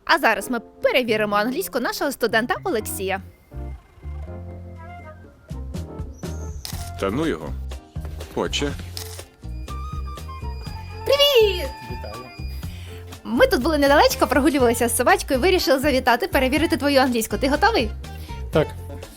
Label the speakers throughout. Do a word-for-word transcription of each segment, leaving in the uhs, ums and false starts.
Speaker 1: А зараз ми перевіримо англійську нашого студента Олексія.
Speaker 2: Та ну його. Отче.
Speaker 1: Привіт!
Speaker 3: Вітаю.
Speaker 1: Ми тут були недалечко, прогулювалися з собачкою, вирішили завітати, перевірити твою англійську. Ти готовий?
Speaker 3: Так,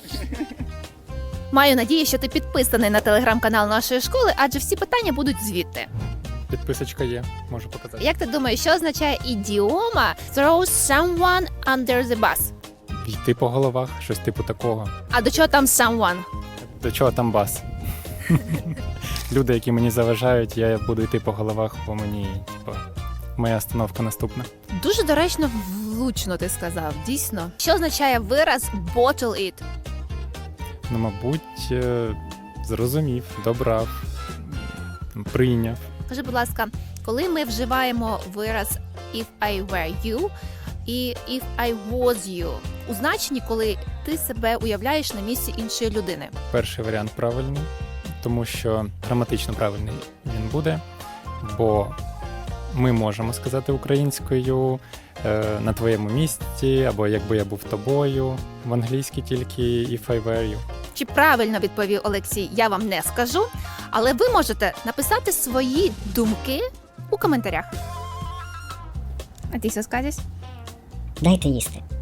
Speaker 1: Маю надію, що ти підписаний на телеграм-канал нашої школи, адже всі питання будуть звідти.
Speaker 3: підписочка є, можу показати.
Speaker 1: Як ти думаєш, що означає ідіома throw someone under the bus?
Speaker 3: Йти по головах, щось типу такого.
Speaker 1: А до чого там someone?
Speaker 3: До чого там бас? Люди, які мені заважають, я буду йти по головах, бо мені, типу, моя остановка наступна.
Speaker 1: Дуже доречно, влучно ти сказав, дійсно. Що означає вираз bottle it?
Speaker 3: Ну, мабуть, е, зрозумів, добрав, м, прийняв.
Speaker 1: Скажи, будь ласка, коли ми вживаємо вираз if I were you і if I was you, у значенні, коли ти себе уявляєш на місці іншої людини.
Speaker 3: Перший варіант правильний, тому що граматично правильний він буде, бо ми можемо сказати українською е, на твоєму місці, або якби я був тобою, в англійській тільки if I were you.
Speaker 1: Чи правильно відповів Олексій, я вам не скажу, але ви можете написати свої думки у коментарях. А ти що скажеш?
Speaker 4: Дайте їсти.